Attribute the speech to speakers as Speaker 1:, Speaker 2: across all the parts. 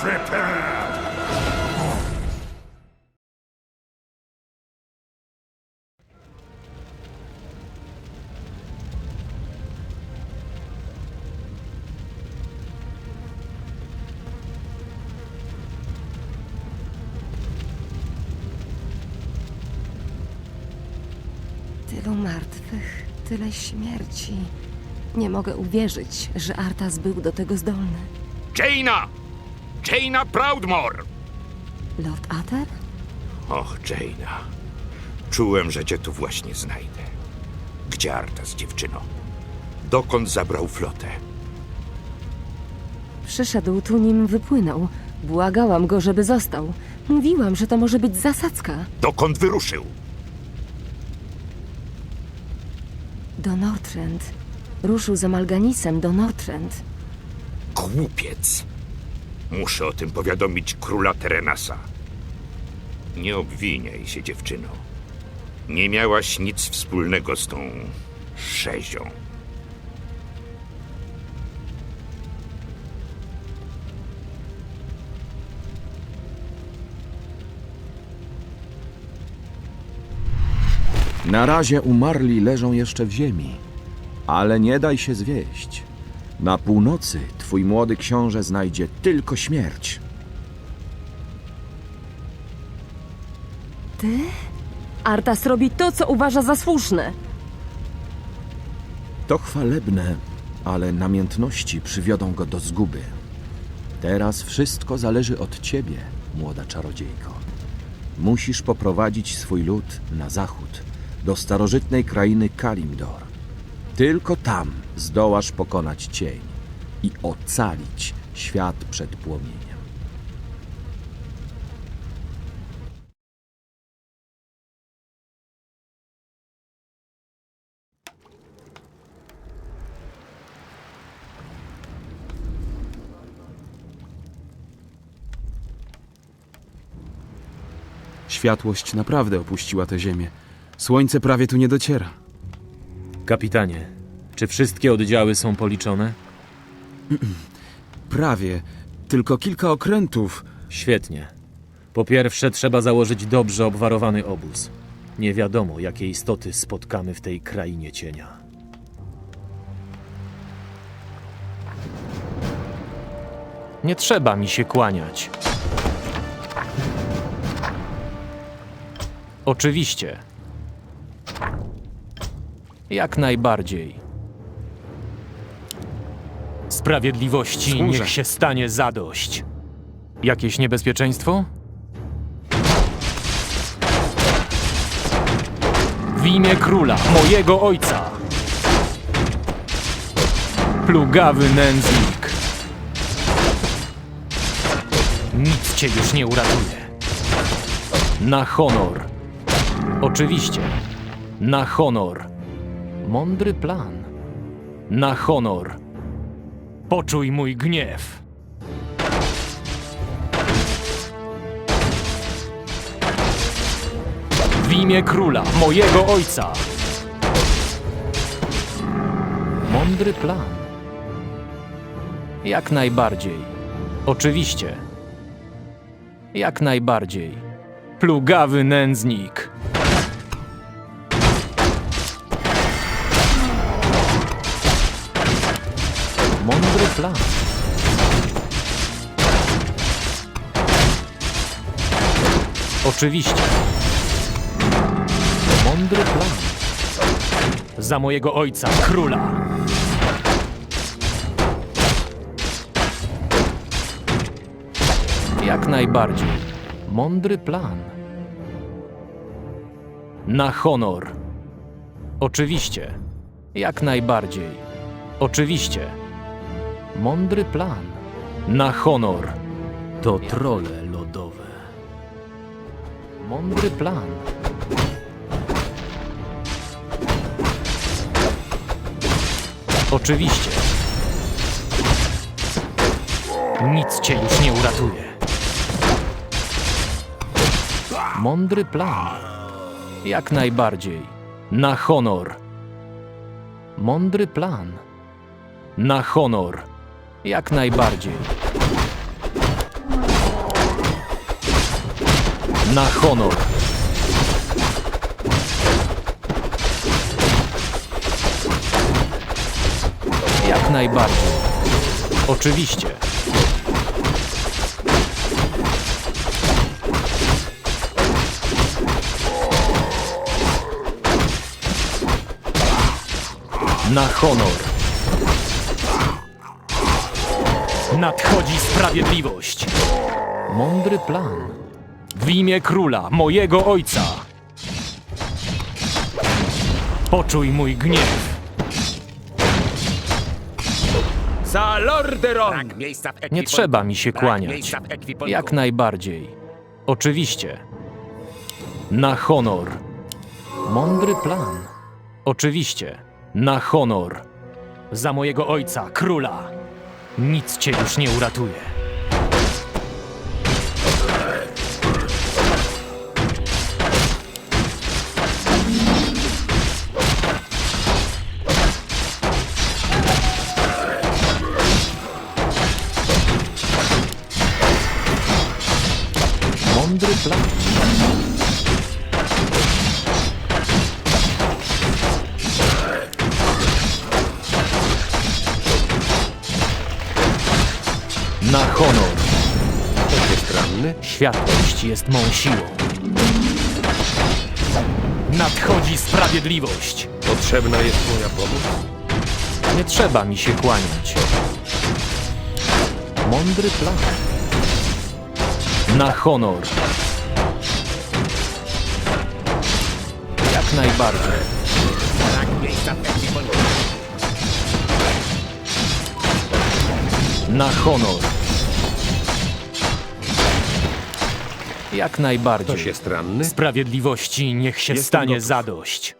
Speaker 1: Prepare!
Speaker 2: Tylu martwych, tyle śmierci. Nie mogę uwierzyć, że Arthas był do tego zdolny.
Speaker 3: Jaina! Jaina Proudmoore!
Speaker 2: Lord Ather?
Speaker 3: Och, Jaina. Czułem, że cię tu właśnie znajdę. Gdzie Arthas, dziewczyno? Dokąd zabrał flotę?
Speaker 2: Przyszedł tu, nim wypłynął. Błagałam go, żeby został. Mówiłam, że to może być zasadzka.
Speaker 3: Dokąd wyruszył?
Speaker 2: Do Northrend. Ruszył za Malganisem do Northrend.
Speaker 3: Głupiec! Muszę o tym powiadomić króla Terenasa. Nie obwiniaj się, dziewczyno. Nie miałaś nic wspólnego z tą szezią.
Speaker 4: Na razie umarli leżą jeszcze w ziemi, ale nie daj się zwieść. Na północy twój młody książę znajdzie tylko śmierć.
Speaker 2: Ty? Arthas robi to, co uważa za słuszne.
Speaker 4: To chwalebne, ale namiętności przywiodą go do zguby. Teraz wszystko zależy od ciebie, młoda czarodziejko. Musisz poprowadzić swój lud na zachód, do starożytnej krainy Kalimdor. Tylko tam zdołasz pokonać cień i ocalić świat przed płomieniem.
Speaker 5: Światłość naprawdę opuściła tę ziemię. Słońce prawie tu nie dociera.
Speaker 6: Kapitanie, czy wszystkie oddziały są policzone?
Speaker 5: Prawie. Tylko kilka okrętów.
Speaker 6: Świetnie. Po pierwsze, trzeba założyć dobrze obwarowany obóz. Nie wiadomo, jakie istoty spotkamy w tej krainie cienia. Nie trzeba mi się kłaniać. Oczywiście. Jak najbardziej. Sprawiedliwości
Speaker 5: Służę.
Speaker 6: niech się stanie zadość. Jakieś niebezpieczeństwo? W imię króla, mojego ojca! Plugawy nędznik! Nic cię już nie uratuje. Na honor. Oczywiście. Na honor. Mądry plan. Na honor. Poczuj mój gniew. W imię króla, mojego ojca. Mądry plan. Jak najbardziej. Oczywiście. Jak najbardziej. Plugawy nędznik. Mądry plan. Oczywiście. Mądry plan. Za mojego ojca, króla. Jak najbardziej. Mądry plan. Na honor. Oczywiście. Jak najbardziej. Oczywiście. Mądry plan. Na honor. To trolle lodowe. Mądry plan. Oczywiście. Nic cię już nie uratuje. Mądry plan. Jak najbardziej. Na honor. Mądry plan. Na honor. Jak najbardziej. Na honor. Jak najbardziej. Oczywiście. Na honor. Nadchodzi sprawiedliwość. Mądry plan. W imię króla, mojego ojca. Poczuj mój gniew.
Speaker 4: Za Lorderon!
Speaker 6: Nie trzeba mi się kłaniać. Jak najbardziej. Oczywiście. Na honor. Mądry plan. Oczywiście. Na honor. Za mojego ojca, króla. Nic cię już nie uratuje. Mądry plan. Na honor. Światłość jest mą siłą. Nadchodzi sprawiedliwość.
Speaker 3: Potrzebna jest moja pomoc?
Speaker 6: Nie trzeba mi się kłaniać. Mądry plan. Na honor. Jak najbardziej. Na honor. Jak najbardziej.
Speaker 3: Ktoś jest ranny?
Speaker 6: Sprawiedliwości niech się stanie zadość.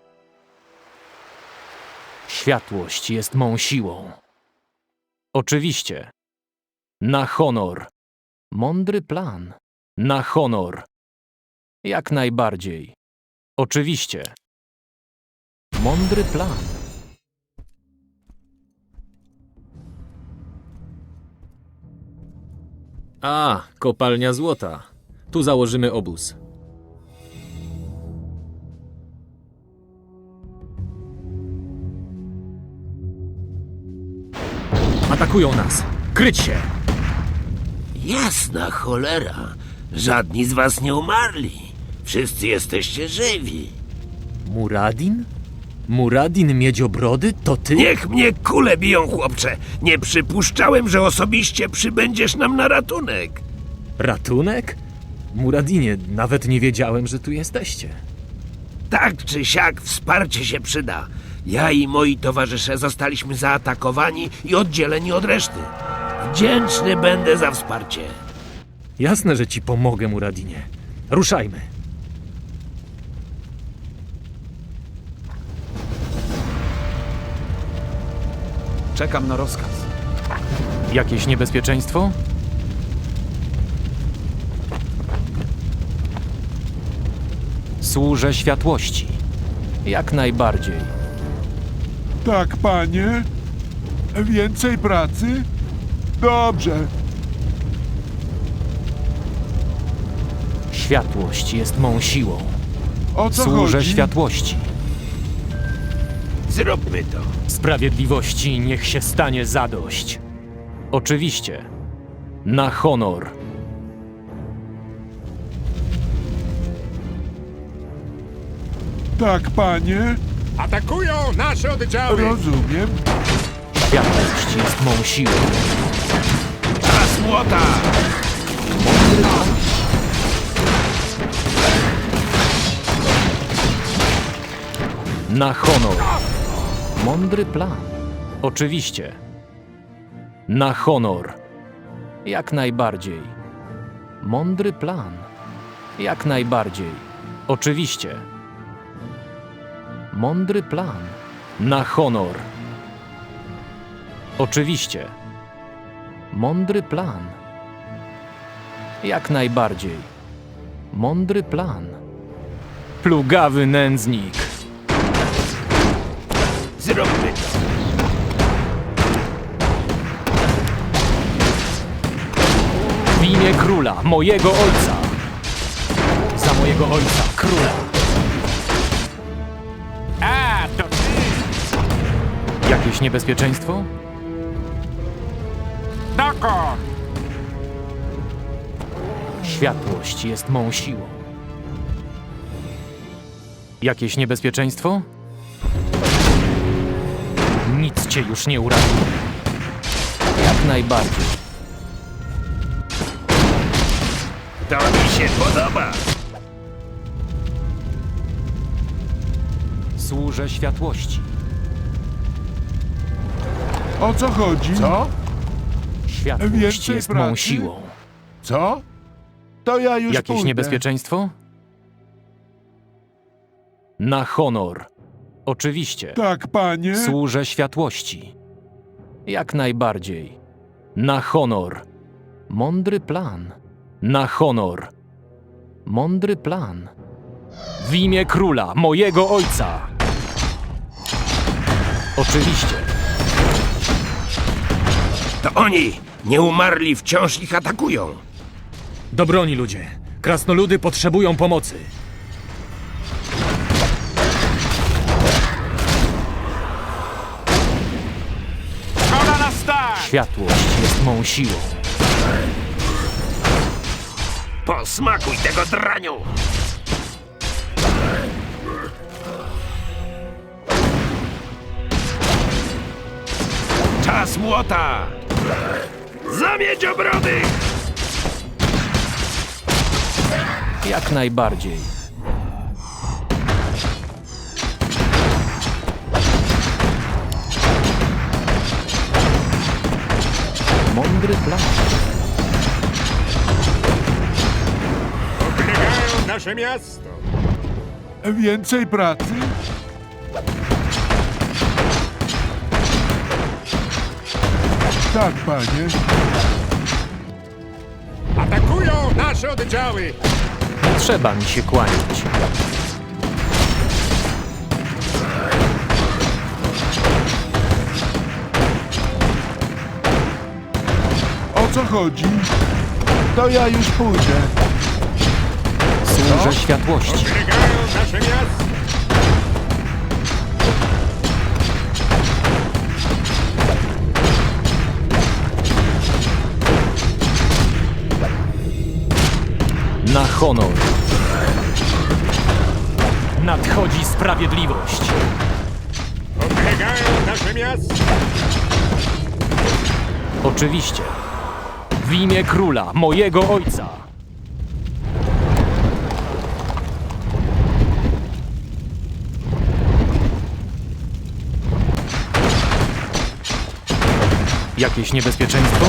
Speaker 6: Światłość jest mą siłą. Oczywiście. Na honor. Mądry plan. Na honor. Jak najbardziej. Oczywiście. Mądry plan. A, kopalnia złota. Tu założymy obóz. Atakują nas! Kryć się!
Speaker 1: Jasna cholera. Żadni z was nie umarli. Wszyscy jesteście żywi.
Speaker 6: Muradin? Muradin Miedziobrody? To ty?
Speaker 1: Niech mnie kule biją, chłopcze. Nie przypuszczałem, że osobiście przybędziesz nam na ratunek.
Speaker 6: Ratunek? Muradinie, nawet nie wiedziałem, że tu jesteście.
Speaker 1: Tak czy siak wsparcie się przyda. Ja i moi towarzysze zostaliśmy zaatakowani i oddzieleni od reszty. Wdzięczny będę za wsparcie.
Speaker 6: Jasne, że ci pomogę, Muradinie. Ruszajmy.
Speaker 5: Czekam na rozkaz.
Speaker 6: Jakieś niebezpieczeństwo? Służę światłości. Jak najbardziej.
Speaker 7: Tak, panie? Więcej pracy? Dobrze.
Speaker 6: Światłość jest mą siłą.
Speaker 7: O co
Speaker 6: Służę
Speaker 7: chodzi?
Speaker 6: światłości.
Speaker 1: Zróbmy to.
Speaker 6: Sprawiedliwości niech się stanie zadość. Oczywiście. Na honor.
Speaker 7: Tak, panie?
Speaker 3: Atakują nasze oddziały!
Speaker 7: Rozumiem.
Speaker 6: Światłość jest mą siłą.
Speaker 1: Czas młota!
Speaker 6: Na honor. Mądry plan. Oczywiście. Na honor. Jak najbardziej. Mądry plan. Jak najbardziej. Oczywiście. Mądry plan. Na honor. Oczywiście. Mądry plan. Jak najbardziej. Mądry plan. Plugawy nędznik.
Speaker 1: Zróbmy to.
Speaker 6: W imię króla, mojego ojca. Za mojego ojca, króla.
Speaker 8: A, to ty!
Speaker 6: Jakieś niebezpieczeństwo?
Speaker 8: Dokąd?
Speaker 6: Światłość jest mą siłą. Jakieś niebezpieczeństwo? Nic cię już nie uratuje. Jak najbardziej.
Speaker 1: To mi się podoba.
Speaker 6: Służę światłości.
Speaker 7: O co chodzi? Co?
Speaker 6: Światłość
Speaker 7: Więcej
Speaker 6: jest mą
Speaker 7: pracy?
Speaker 6: siłą.
Speaker 7: Co? To ja już
Speaker 6: Jakieś
Speaker 7: pójdę.
Speaker 6: niebezpieczeństwo? Na honor. Oczywiście.
Speaker 7: Tak, panie.
Speaker 6: Służę światłości. Jak najbardziej. Na honor. Mądry plan. Na honor. Mądry plan. W imię króla, mojego ojca. Oczywiście.
Speaker 1: To oni! Nieumarli wciąż ich atakują.
Speaker 6: Do broni, ludzie. Krasnoludy potrzebują pomocy.
Speaker 8: Szkoda na start!
Speaker 6: Światłość jest mą siłą.
Speaker 1: Posmakuj tego draniu! Czas młota! Zamieć obrody!
Speaker 6: Jak najbardziej. Mądry plan.
Speaker 8: Oblegają nasze miasto!
Speaker 7: Więcej pracy? Tak, panie.
Speaker 8: Atakują nasze oddziały!
Speaker 6: Nie trzeba mi się kłaniać.
Speaker 7: O co chodzi? To ja już pójdę.
Speaker 6: Służę światłości.
Speaker 8: Oblegają nasze miasto!
Speaker 6: Na honor. Nadchodzi sprawiedliwość.
Speaker 8: Oblegają nasze miasto!
Speaker 6: Oczywiście. W imię króla, mojego ojca. Jakieś niebezpieczeństwo?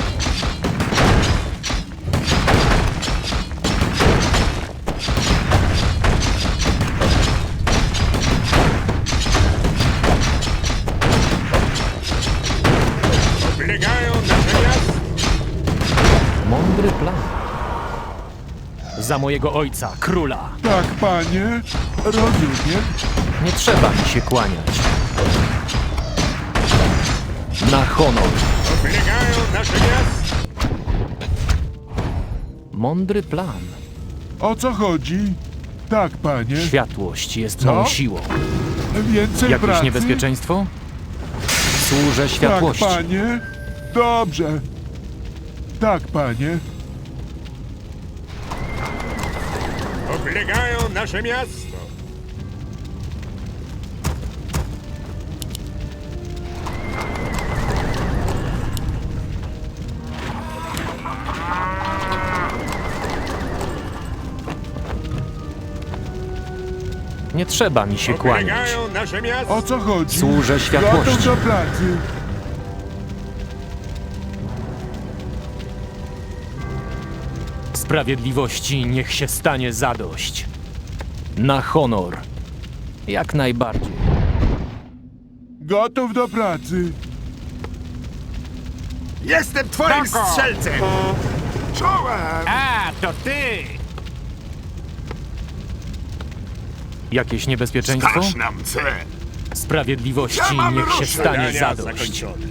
Speaker 8: Oblegają nasze miasto!
Speaker 6: Mądry plan. Za mojego ojca, króla.
Speaker 7: Tak, panie. Rozumiem.
Speaker 6: Nie trzeba mi się kłaniać. Na honor.
Speaker 8: Oblegają nasze miasto!
Speaker 6: Mądry plan.
Speaker 7: O co chodzi? Tak, panie.
Speaker 6: Światłość jest
Speaker 7: Co?
Speaker 6: mą siłą.
Speaker 7: Więcej
Speaker 6: Jakieś
Speaker 7: pracy?
Speaker 6: niebezpieczeństwo? Służę światłości.
Speaker 7: Tak, panie. Dobrze. Tak, panie.
Speaker 8: Oblegają nasze miasto!
Speaker 6: Nie trzeba mi się kłaniać.
Speaker 8: Oblegają nasze miasto!
Speaker 7: O co chodzi?
Speaker 6: Służę światłości.
Speaker 7: Gotów do pracy.
Speaker 6: Sprawiedliwości niech się stanie zadość. Na honor. Jak najbardziej.
Speaker 7: Gotów do pracy.
Speaker 3: Jestem twoim
Speaker 8: Dokąd?
Speaker 3: strzelcem! Czołem!
Speaker 8: A, to ty!
Speaker 6: Jakieś niebezpieczeństwo?
Speaker 3: Każ nam cel!
Speaker 6: Sprawiedliwości
Speaker 3: Ja mam
Speaker 6: niech się
Speaker 3: ruszyć.
Speaker 6: stanie
Speaker 8: Zadania
Speaker 6: zadość.
Speaker 8: zakończone.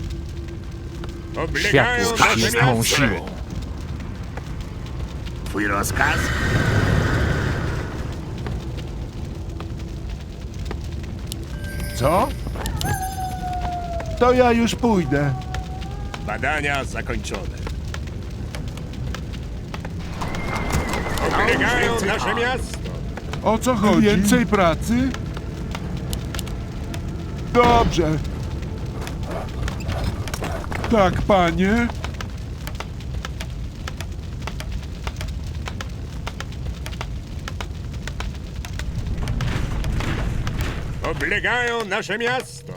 Speaker 8: Oblegają
Speaker 6: Światłość
Speaker 8: nasze
Speaker 6: jest mą
Speaker 8: miasto!
Speaker 6: siłą.
Speaker 3: Twój rozkaz?
Speaker 7: Co? To ja już pójdę.
Speaker 8: Badania zakończone. Oblegają nasze miasto.
Speaker 7: O co chodzi? Więcej pracy? Dobrze. Tak, panie.
Speaker 8: Oblegają nasze miasto.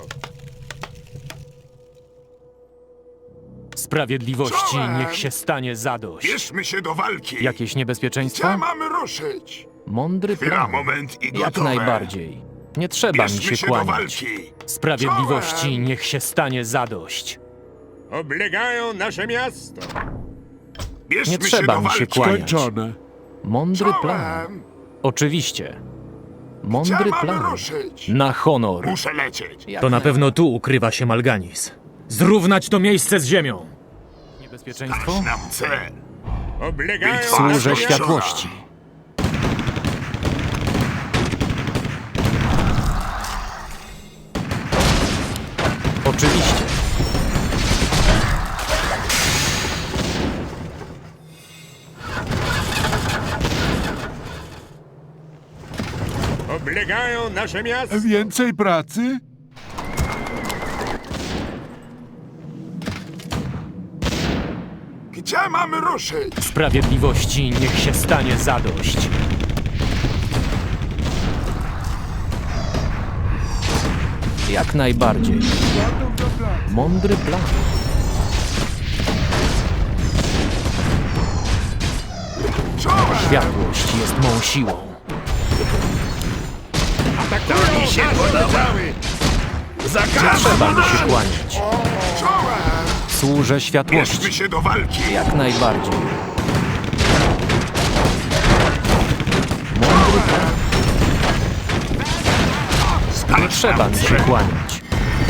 Speaker 6: Sprawiedliwości niech się stanie zadość.
Speaker 3: Bierzmy się do walki.
Speaker 6: Jakieś niebezpieczeństwo?
Speaker 3: Gdzie mamy ruszyć?
Speaker 6: Mądry
Speaker 3: Chwila,
Speaker 6: plan.
Speaker 3: moment i
Speaker 6: Jak
Speaker 3: gotowe.
Speaker 6: najbardziej. Nie trzeba mi
Speaker 3: Bierzmy
Speaker 6: się
Speaker 3: do
Speaker 6: kłaniać.
Speaker 3: walki.
Speaker 6: Sprawiedliwości
Speaker 3: Czołem!
Speaker 6: niech się stanie zadość.
Speaker 8: Oblegają nasze miasto.
Speaker 3: Bierzmy
Speaker 6: Nie trzeba
Speaker 3: do
Speaker 6: mi się
Speaker 3: walki.
Speaker 6: kłaniać.
Speaker 7: Skończone.
Speaker 6: Mądry plan.
Speaker 3: Czołem!
Speaker 6: Oczywiście.
Speaker 3: Gdzie
Speaker 6: Mądry
Speaker 3: mamy
Speaker 6: plan.
Speaker 3: ruszyć?
Speaker 6: Na honor.
Speaker 3: Muszę lecieć.
Speaker 6: To na pewno tu ukrywa się Malganis. Zrównać to miejsce z ziemią. Niebezpieczeństwo?
Speaker 3: Nam cel.
Speaker 8: Oblegają
Speaker 3: Bitwa
Speaker 6: Służę
Speaker 8: nasze miasto.
Speaker 6: światłości. Oczywiście.
Speaker 8: Oblegają nasze miasto.
Speaker 7: Więcej pracy?
Speaker 3: Gdzie mamy ruszyć?
Speaker 6: Sprawiedliwości niech się stanie zadość. Jak najbardziej. Mądry plan.
Speaker 3: Czołem!
Speaker 6: Światłość jest mą siłą.
Speaker 8: Atakują
Speaker 1: mi się
Speaker 8: nasze
Speaker 1: podoba.
Speaker 8: oddziały.
Speaker 6: Trzeba mi się kłaniać.
Speaker 3: Czołem!
Speaker 6: Służę
Speaker 3: Bierzmy
Speaker 6: światłości.
Speaker 3: się do walki.
Speaker 6: Jak najbardziej. Mądry plan. Nie trzeba mi się kłaniać.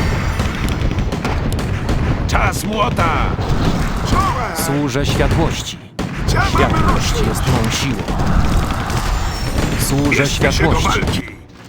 Speaker 1: Czas młota!
Speaker 3: Czołem!
Speaker 6: Służę światłości.
Speaker 3: Gdzie mamy
Speaker 6: Światłość
Speaker 3: ruszyć?
Speaker 6: jest mą siłą. Służę
Speaker 3: Bierzmy się do
Speaker 6: światłości.
Speaker 3: walki.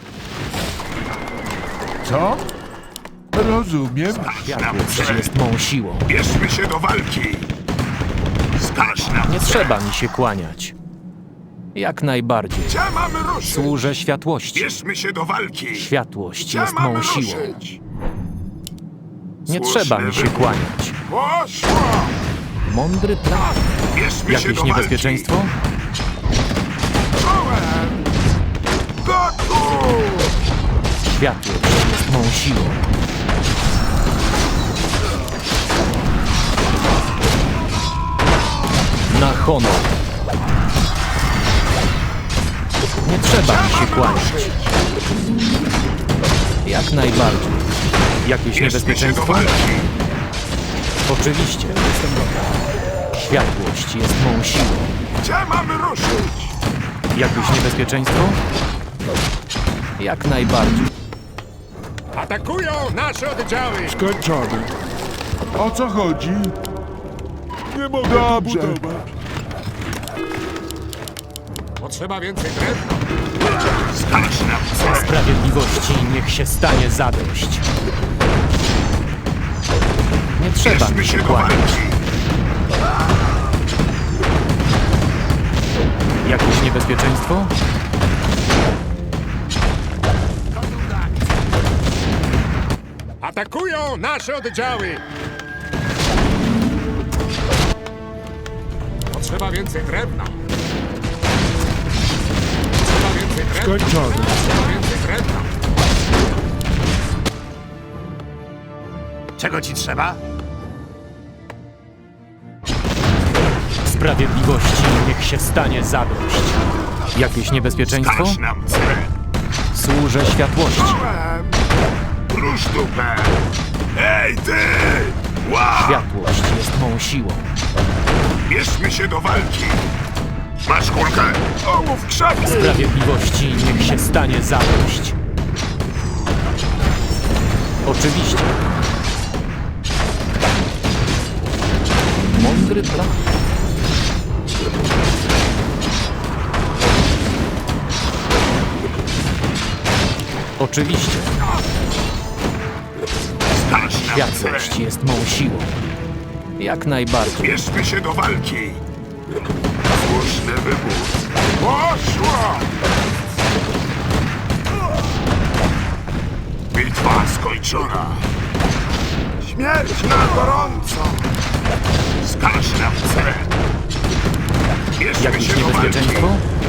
Speaker 7: Co? Rozumiem.
Speaker 6: Światłość jest mą siłą.
Speaker 3: Bierzmy się do walki. Skaż nam
Speaker 6: Nie
Speaker 3: cel.
Speaker 6: trzeba mi się kłaniać. Jak najbardziej.
Speaker 3: Gdzie mamy ruszyć?
Speaker 6: Służę światłości.
Speaker 3: Bierzmy się do walki.
Speaker 6: Światłość
Speaker 3: Gdzie
Speaker 6: jest
Speaker 3: mamy
Speaker 6: mą siłą.
Speaker 3: ruszyć?
Speaker 6: Nie
Speaker 3: Słuszny
Speaker 6: trzeba mi się
Speaker 3: wybór.
Speaker 6: kłaniać.
Speaker 3: Poszło!
Speaker 6: Mądry plan.
Speaker 3: Bierzmy się
Speaker 6: Jakieś
Speaker 3: do
Speaker 6: niebezpieczeństwo?
Speaker 3: walki. Czołem! Gotów!
Speaker 6: Światłość jest mą siłą. Na honor. Nie trzeba mi się kłaniać. Jak najbardziej. Jakieś
Speaker 3: Bierzmy się do
Speaker 6: niebezpieczeństwo?
Speaker 3: walki.
Speaker 6: Oczywiście. Jestem gotowy. Światłość jest mą siłą.
Speaker 3: Gdzie mamy ruszyć?
Speaker 6: Jakieś niebezpieczeństwo? Jak najbardziej.
Speaker 8: Atakują nasze oddziały.
Speaker 7: Skończone. O co chodzi? Nie mogę Dobrze.
Speaker 8: Potrzeba więcej drewna.
Speaker 3: Skaż nam cel.
Speaker 6: Sprawiedliwości niech się stanie zadość. Nie trzeba
Speaker 3: Bierzmy
Speaker 6: mi się
Speaker 3: się do
Speaker 6: kłaniać.
Speaker 3: walki.
Speaker 6: Jakieś niebezpieczeństwo?
Speaker 8: Atakują nasze oddziały. Potrzeba więcej drewna. Potrzeba więcej drewna.
Speaker 7: Skończone.
Speaker 8: Potrzeba więcej drewna.
Speaker 1: Czego ci trzeba?
Speaker 6: Sprawiedliwości niech się stanie zadość. Jakieś niebezpieczeństwo?
Speaker 3: Skaż nam cel.
Speaker 6: Służę światłości.
Speaker 3: Czołem! Rusz dupę! Ej, ty! Wow!
Speaker 6: Światłość jest mą siłą.
Speaker 3: Bierzmy się do walki. Masz kulkę? Ołów krzaki!
Speaker 6: Sprawiedliwości niech się stanie zadość. Oczywiście. Mądry plan. Oczywiście. Światłość jest mą siłą. Jak najbardziej.
Speaker 3: Bierzmy się do walki! Słuszny wybór. Poszło! Bitwa skończona. Śmierć na gorąco! Skaż nam cel! Bierzmy
Speaker 6: Jakieś
Speaker 3: się do walki!
Speaker 6: niebezpieczeństwo?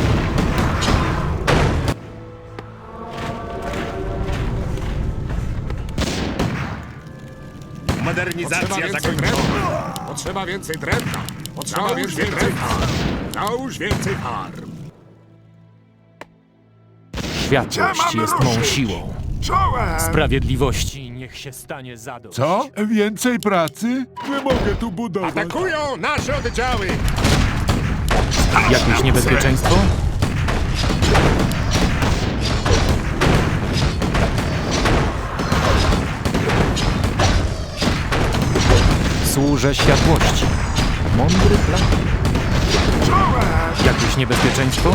Speaker 8: Modernizacja zakończona. Potrzeba więcej drewna. Potrzeba więcej drewna. Nałóż więcej farm.
Speaker 6: Światłość jest mą siłą.
Speaker 3: Czołem!
Speaker 6: Sprawiedliwości niech się stanie zadość.
Speaker 7: Co? Więcej pracy? Nie mogę tu budować.
Speaker 8: Atakują nasze oddziały.
Speaker 6: Jakieś niebezpieczeństwo? Służę światłości. Mądry plan. Jakieś niebezpieczeństwo?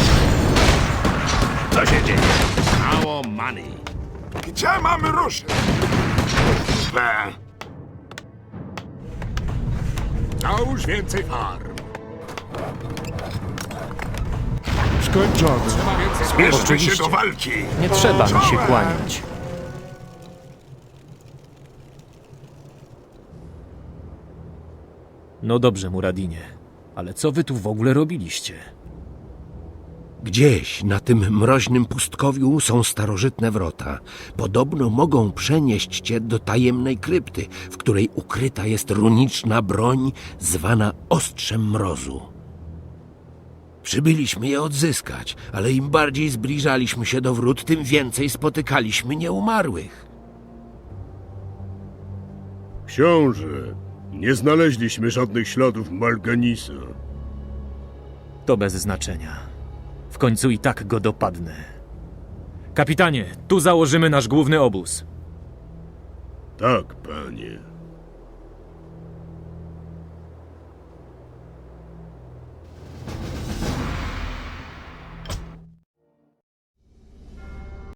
Speaker 1: Co się dzieje?
Speaker 8: Mało money.
Speaker 3: Gdzie mamy ruszyć?
Speaker 8: Nałóż więcej farm.
Speaker 7: Skończone.
Speaker 8: Potrzeba więcej drewna.
Speaker 3: Bierzmy
Speaker 6: Oczywiście.
Speaker 3: się do walki!
Speaker 6: Nie trzeba mi się kłaniać. No dobrze, Muradinie, ale co wy tu w ogóle robiliście?
Speaker 1: Gdzieś na tym mroźnym pustkowiu są starożytne wrota. Podobno mogą przenieść cię do tajemnej krypty, w której ukryta jest runiczna broń zwana Ostrzem Mrozu. Przybyliśmy je odzyskać, ale im bardziej zbliżaliśmy się do wrót, tym więcej spotykaliśmy nieumarłych.
Speaker 9: Książę, nie znaleźliśmy żadnych śladów Malganisa.
Speaker 6: To bez znaczenia. W końcu i tak go dopadnę. Kapitanie, tu założymy nasz główny obóz.
Speaker 9: Tak, panie.